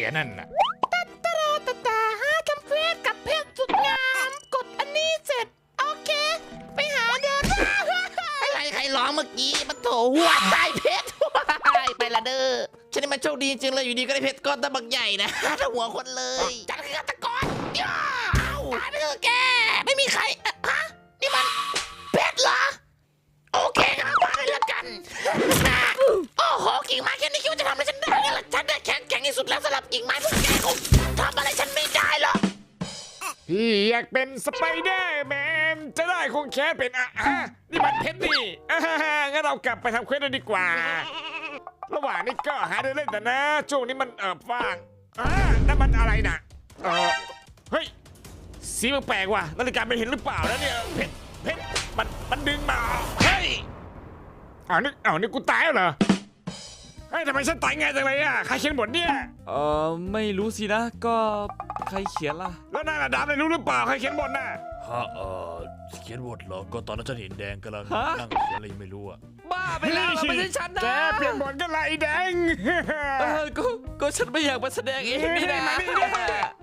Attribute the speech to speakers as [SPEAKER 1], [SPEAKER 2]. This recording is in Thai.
[SPEAKER 1] นั่นน่ะ
[SPEAKER 2] แต่ทำเควสกับเพชรสุดงามกดอันนี้เสร็จโอเคไปหาเดิน
[SPEAKER 3] อะไรใครร้องเมื่อกี้มันโถหัวใจเพชรไปละเด้อฉันนี่มันโชคดีจริงเลยอยู่ดีก็ได้เพชรก้อนตะบักใหญ่นะถ้าหัวคนเลยจัดคือฆาตกรย่าตายไปเถอะแกไม่มีใครฮะนี่มันเพชรเหรอโอเคครับมาเลยละกันโอ้โหกิ่งไม้แค่นี้คิดว่าจะทำอะไรฉันได้ไงล่ะฉันได้แข็งที่สุดแล้วสำหรับกิ่งไม้พวกแกคงทำอะไรฉันไม่ได้หรอก
[SPEAKER 1] พี่อยากเป็นสไปเดอร์แมนจะได้คงแค่เป็นนี่มันเพชรนี่งั้นเรากลับไปทำเควสกันดีกว่าระหว่างนี้ก็หาเดินเล่นแต่นะช่วงนี้มันว่างนั่นมันอะไรน่ะเฮ้ยสีมันแปลกว่ะนาฬิกาไม่เห็นหรือเปล่าแล้วเนี่ยเพชรมันดึงมาเฮ้ยนี่กูตายแล้วเหรอเฮ้ยทำไมฉันตายง่ายจังเลยอ่ะใครเขียนบทเนี่ย
[SPEAKER 4] ไม่รู้สินะก็ใครเขียนล่ะ
[SPEAKER 1] แล้วนายระดับเลยรู้หรือเปล่าใครเขียนบทน่ะ
[SPEAKER 5] ฮะเขียนบทเหรอก็ตอนนั้นฉันเห็นแดงกำลัง
[SPEAKER 4] ฮะ
[SPEAKER 5] นั่งเขียนอะไรไม่รู้อะ
[SPEAKER 4] บ้าไปแล้วไม่ใช่ฉันนะ
[SPEAKER 1] แกเปลี่ยนบทกันไรแดง
[SPEAKER 4] ก็ฉันไม่อยากมาแสดงเองนี่นะ
[SPEAKER 1] มานี่